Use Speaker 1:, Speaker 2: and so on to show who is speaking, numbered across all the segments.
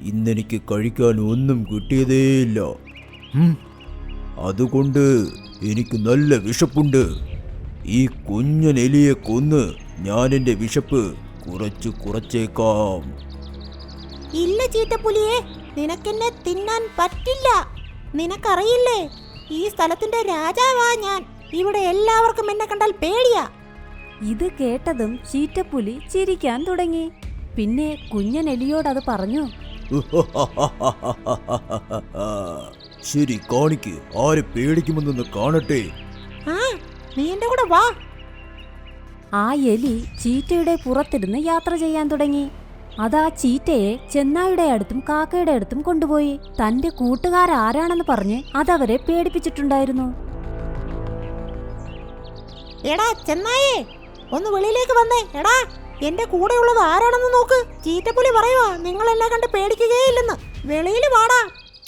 Speaker 1: ഇന്നെനിക്ക് കഴിക്കാൻ ഒന്നും കിട്ടിയതേയില്ല. അതുകൊണ്ട് എനിക്ക് നല്ല വിശപ്പുണ്ട്. ഈ കുഞ്ഞൻ എലിയെ കൊന്ന് ഞാൻ എൻ്റെ വിശപ്പ് കുറച്ചേക്കാം.
Speaker 2: ഇല്ല ചീറ്റപ്പുലിയെ, നിനക്കെന്നെ തിന്നാൻ പറ്റില്ല. നിനക്കറിയില്ലേ, ഈ സ്ഥലത്തിന്റെ രാജാവാ ഞാൻ. ഇവിടെ എല്ലാവർക്കും എന്നെ കണ്ടാൽ പേടിയാ.
Speaker 3: ഇത് കേട്ടതും ചീറ്റപ്പുലി ചിരിക്കാൻ തുടങ്ങി. പിന്നെ കുഞ്ഞൻ എലിയോടത് പറഞ്ഞു.
Speaker 1: ശരി, കാണിക്ക്, ആരെ പേടിക്കുമെന്നൊന്ന് കാണട്ടെ.
Speaker 2: നീ എന്റെ കൂടെ വാ.
Speaker 3: ആ എലി ചീറ്റയുടെ പുറത്തിരുന്ന് യാത്ര ചെയ്യാൻ തുടങ്ങി. അതാ ചീറ്റയെ ചെന്നായുടെ അടുത്തും കാക്കയുടെ അടുത്തും കൊണ്ടുപോയി. തന്റെ കൂട്ടുകാരാരാണെന്ന് പറഞ്ഞ് അതവരെ പേടിപ്പിച്ചിട്ടുണ്ടായിരുന്നു.
Speaker 2: എടാ ചെന്നായേ, ഒന്ന് വെളിയിലേക്ക് വന്നേ. എടാ, എന്റെ കൂടെയുള്ളത് ആരാണെന്ന് നോക്ക്. ചീറ്റപ്പുലി പറയുവാ നിങ്ങൾ എന്നെ കണ്ട് പേടിക്കുകയില്ലെന്ന്. വെളിയിൽ വാടാ.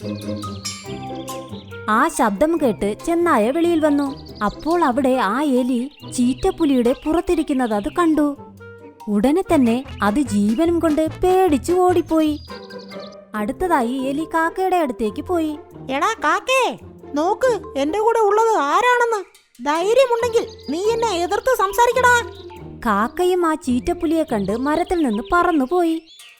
Speaker 3: ആ ശബ്ദം കേട്ട് ചെന്നായ വെളിയിൽ വന്നു. അപ്പോൾ അവിടെ ആ എലി ചീറ്റപ്പുലിയുടെ പുറത്തിരിക്കുന്നത് അത് കണ്ടു. ഉടനെ തന്നെ അത് ജീവനും കൊണ്ട് പേടിച്ചു ഓടിപ്പോയി. അടുത്തതായി എലി കാക്കയുടെ അടുത്തേക്ക് പോയി.
Speaker 2: എടാ കാക്കേ, നോക്ക് എന്റെ കൂടെ ഉള്ളത് ആരാണെന്ന്. ധൈര്യമുണ്ടെങ്കിൽ നീ എന്നെ എതിർത്ത് സംസാരിക്കടാ.
Speaker 3: കാക്കയും ആ ചീറ്റപ്പുലിയെ കണ്ട് മരത്തിൽ നിന്ന് പറന്നുപോയി.